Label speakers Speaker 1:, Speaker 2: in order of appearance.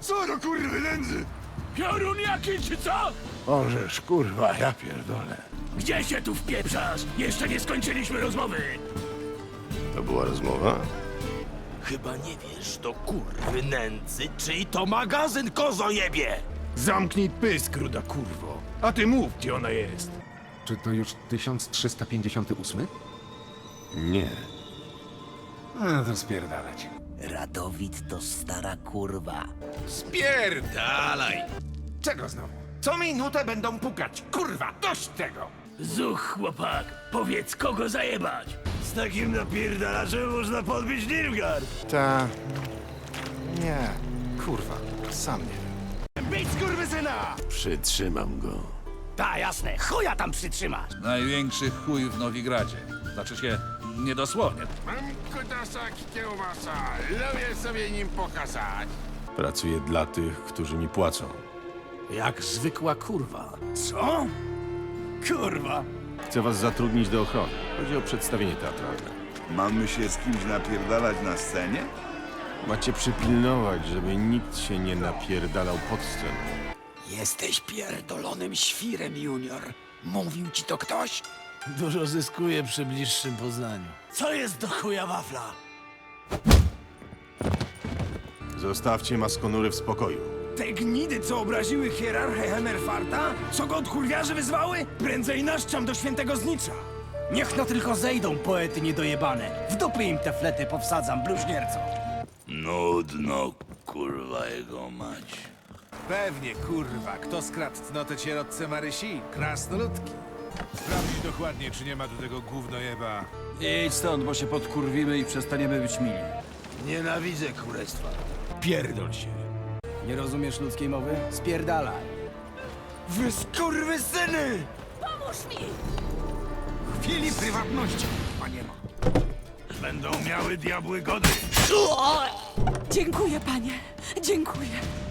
Speaker 1: Co do kurwy nędzy?
Speaker 2: Piorun jaki czy co?
Speaker 1: Orzesz, kurwa, ja pierdolę.
Speaker 2: Gdzie się tu wpieprzasz? Jeszcze nie skończyliśmy rozmowy.
Speaker 1: To była rozmowa?
Speaker 2: Chyba nie wiesz, do kurwy nędzy, czyj to magazyn, kozojebie!
Speaker 1: Zamknij pysk, ruda kurwo. A ty mów, gdzie ona jest.
Speaker 3: Czy to już 1358?
Speaker 1: Nie.
Speaker 3: A, to spierdalać.
Speaker 2: Radowid to stara kurwa.
Speaker 3: Spierdalaj! Czego znowu? Co minutę będą pukać. Kurwa, dość tego!
Speaker 2: Zuch, chłopak, powiedz, kogo zajebać. Z takim napierdalaczem można podbić Nilfgaard.
Speaker 4: Ta... Nie, kurwa, sam nie wiem.
Speaker 2: Być skurwysyna!
Speaker 1: Przytrzymam go.
Speaker 2: Ta, jasne, chuja tam przytrzymasz.
Speaker 5: Największy chuj w Nowigradzie. Znaczy się, niedosłownie.
Speaker 6: Mam kutasak kiełbasa, lubię sobie nim pokazać.
Speaker 1: Pracuję dla tych, którzy mi płacą.
Speaker 2: Jak zwykła kurwa. Co? Kurwa.
Speaker 1: Chcę was zatrudnić do ochrony. Chodzi o przedstawienie teatralne.
Speaker 6: Mamy się z kimś napierdalać na scenie?
Speaker 1: Macie przypilnować, żeby nikt się nie napierdalał pod sceną.
Speaker 7: Jesteś pierdolonym świrem, Junior. Mówił ci to ktoś?
Speaker 2: Dużo zyskuje przy bliższym poznaniu. Co jest do chuja wafla?
Speaker 1: Zostawcie maskonury w spokoju.
Speaker 2: Te gnidy, co obraziły hierarchę Hemerfarta? Co go od kurwiarzy wyzwały? Prędzej naszczam do świętego znicza.
Speaker 7: Niech no tylko zejdą, poety niedojebane. W dupy im te flety powsadzam, bluźnierco.
Speaker 2: Nudno, kurwa jego mać.
Speaker 8: Pewnie, kurwa. Kto skradł cnotę sierotce Marysi? Krasnoludki. Sprawdzić dokładnie, czy nie ma tu tego gównojeba.
Speaker 9: Idź stąd, bo się podkurwimy i przestaniemy być mili.
Speaker 2: Nienawidzę kurestwa.
Speaker 8: Pierdol się.
Speaker 7: Nie rozumiesz ludzkiej mowy? Spierdalaj.
Speaker 2: Wy skurwysyny!
Speaker 8: Chwili prywatności, panie ma.
Speaker 2: Będą miały diabły gody.
Speaker 10: Dziękuję, panie. Dziękuję.